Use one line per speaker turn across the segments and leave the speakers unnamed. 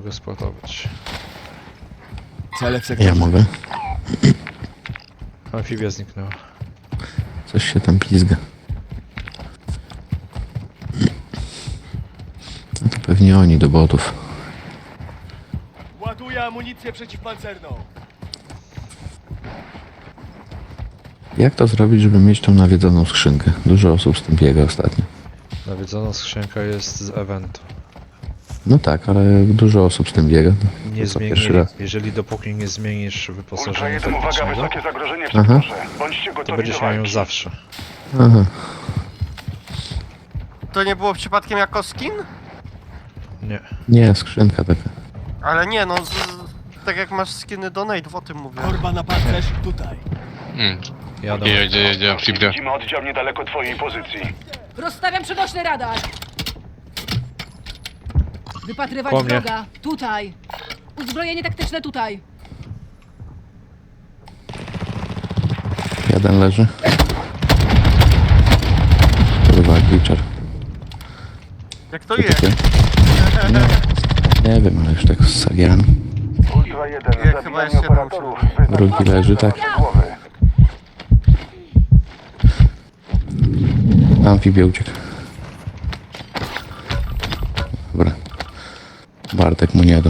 mogę sportować.
Cele w sektorze.
Ja mogę.
Amfibia zniknęła.
Coś się tam pizga. No to pewnie oni do botów.
Ładuję amunicję przeciwpancerną.
Jak to zrobić, żeby mieć tą nawiedzoną skrzynkę? Dużo osób z tym biega ostatnio.
Nawiedzona skrzynka jest z eventu.
No tak, ale dużo osób z tym biega.
Nie
To co,
zmieni,
pierwszy raz.
jeżeli dopóki nie zmienisz
Ultra
wyposażenia
1, uwaga,
taktycznego,
wysokie zagrożenie w
Aha.
sektorze. Bądźcie
to
gotowi
będziesz
do
miał ją
walki.
zawsze.
Aha.
To nie było przypadkiem jako skin?
Nie.
Nie, skrzynka taka.
Ale nie, no tak jak masz skiny do Nate, o tym mówię.
Korba na pancerz tutaj.
Jadę.
Jedzie amfibia.
Widzimy oddział niedaleko twojej pozycji.
Rozstawiam przenośny radar. Wypatrywać
Po mnie.
wroga. Tutaj. Uzbrojenie taktyczne tutaj.
Jeden leży. Kurwa, glitcher.
Jak to jest?
Nie wiem, ale już tak z sagiami.
Ultra 1,
Ja chyba
zabijanie
jeszcze
operatorów.
Drugi leży, tak.
Głowy.
Amfibia uciekł. Dobra. Bartek mu nie dał.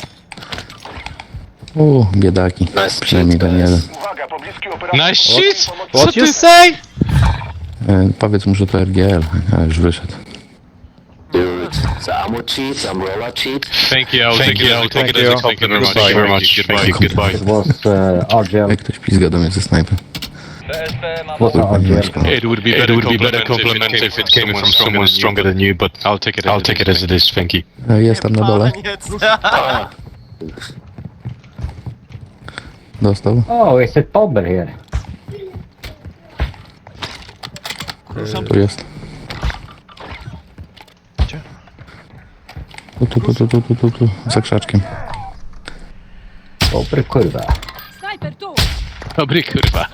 Biedaki. Przynajmniej ten jeden.
Uwaga, pobliski operator.
Nice shit! Co
What
ty?
you say?
Powiedz mu, że to RGL, a już wyszedł.
Ammo cheats, umbrella cheat.
Thank you, I'll take it as a compliment.
Thank you
Very much. Goodbye.
It was RGL.
Jak ktoś pizga do mnie ze snajpy.
Was RGL.
It would be better compliment if it came from someone stronger than you, but I'll take it as it is. Thank you.
Jest tam na dole.
Koniec.
Dostał.
Oh, is it Bomber here?
Tu jest.
Gdzie?
Tu. Za krzaczkiem.
Bomber kurwa.
Snajper tu.
Dobry kurwa.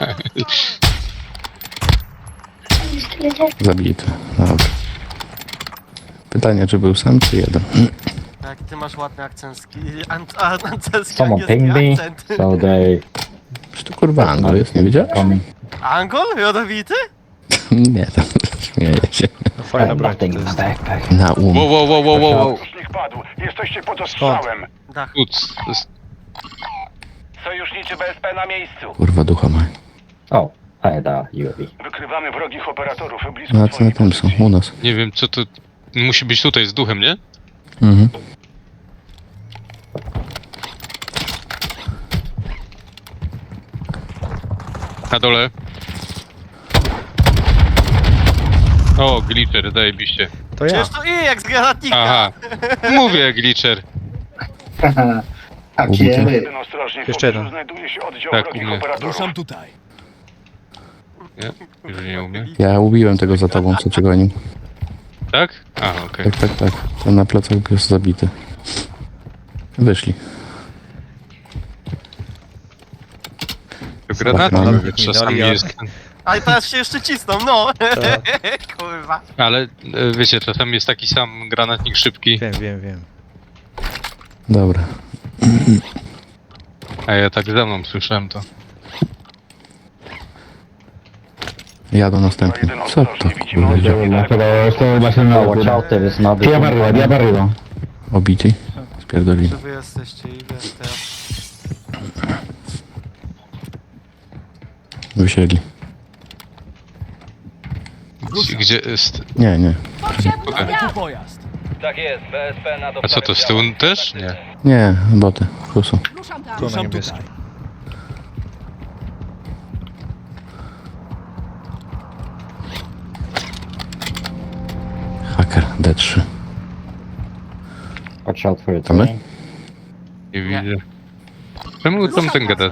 Zabity. Dobra. Pytanie, czy był sam, czy jeden?
Tak, ty masz ładny akcencki, angielski
Someone pinged me,
akcent.
so they
Czy to kurwa Anglo jest, nie widziałeś?
coming.
Angol? Jodowity?
Nie, tam śmieję się.
No fajna broń to
Nothing in my
jest.
backpack.
Na
Wow.
Sojusznik padł. Jesteście pod ostrzałem.
Dach.
Sojuszniczy BSP na miejscu.
Kurwa ducha ma.
Oh, I had a UAV.
Wykrywamy wrogich operatorów blisko
No a co na
twojej
tym są?
pozycji.
U nas.
Nie wiem, co to... Musi być tutaj z duchem, nie?
Mhm.
Na dole. O, glitcher, zajebiście.
To ja.
Przecież to i jak z granatnika.
Aha. Mówię, glitcher.
Jeden ostrożnie.
Jeszcze jeden.
W pobliżu znajduje się oddział
Tak,
wrogich
umie.
operatorów.
Ruszam tutaj.
Nie? Już nie umiem.
Ja ubiłem tego za tobą, co cię gonił.
Tak? A, okej.
Tak. Ten na plecach jest zabity. Wyszli.
Granaty
Mamy.
mamy, czasami
Minęli,
jest...
A i teraz się jeszcze cisną, no.
Tak.
Kurwa.
Ale wiecie, czasami jest taki sam granatnik szybki,
Wiem.
Dobra.
a ja tak za mną słyszałem to.
Jadą następny. Co to kurwa idzie?
Watch out, there is another.
Obity? Spierdolili.
Czy wy jesteście i wiesz teraz.
Wysiedli.
Gdzie jest...
Nie.
Potrzebny
Tu pojazd.
A co to, z tyłu też? Nie.
Nie, boty. Kusu.
Ruszam tam.
Tu na
Ruszam
niebieskim.
tutaj.
Hacker D3.
Watch out for it.
To my?
Nie widzę. Czemu tam ten gada?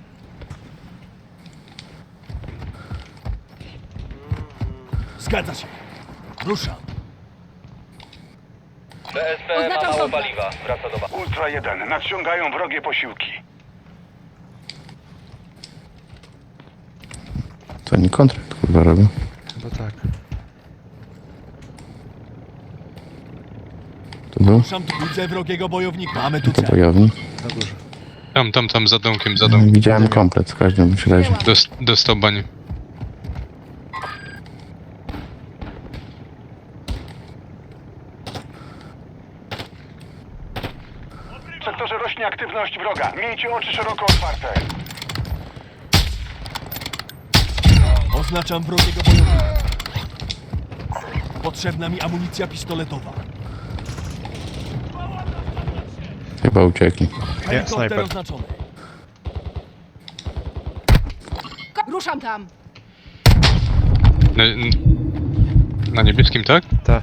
Zgadza się. Ruszam.
Oznaczam kontrakt.
Ultra 1. Nadciągają wrogie posiłki.
To oni kontrakt kurwa robią.
Chyba tak.
To był?
Ruszam tu. Widzę wrogiego bojownika. Mamy tu
To
cel.
bojownik.
Na górze.
Tam, za domkiem, za domkiem.
Widziałem komplet w każdym razie.
Dostał banie.
W sektorze rośnie aktywność wroga. Miejcie oczy szeroko otwarte.
Oznaczam wrogiego bojownika. Potrzebna mi amunicja pistoletowa.
Chyba uciekli.
Helikopter
snajper.
oznaczony.
Ruszam tam.
Na niebieskim, tak?
Ta.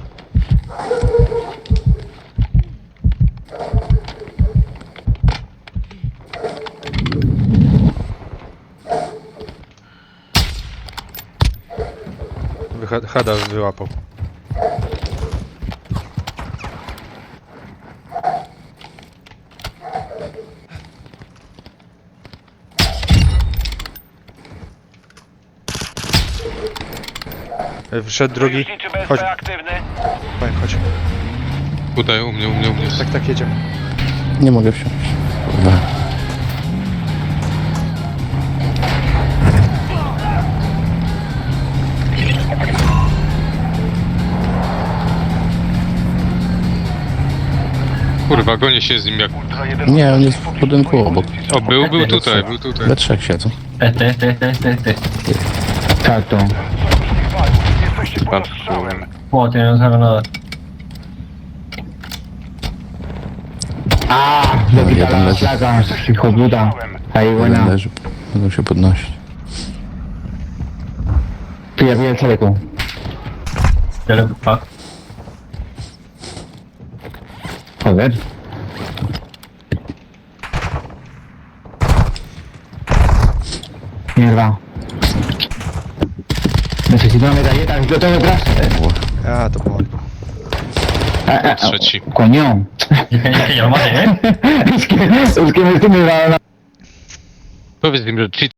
Hada wyłapał. Wszedł drugi. Chodź,
aktywny.
chodź.
Tutaj, u mnie.
Tak, jedziemy.
Nie mogę wsiąść. Kurwa.
Kurwa, gonię się z nim jak...
Ultra 1
Nie, on jest w budynku obok.
O, był tutaj.
We trzech siedzą.
Salto.
Jesteście pod ostrzałem.
What, no sabe nada. Le
No,
quita
jeden
las
leży.
placas, hijo puta. Ahí,
Jeden
buena.
leży. Będą się podnosić.
Tú ya vi el chaleco. Joder. Mierda. Necesito una metralleta, yo tengo detrás.
A, to pomogło.
Trzeci.
Coño. Es que me estoy mirando.
Powiedz im, że cheat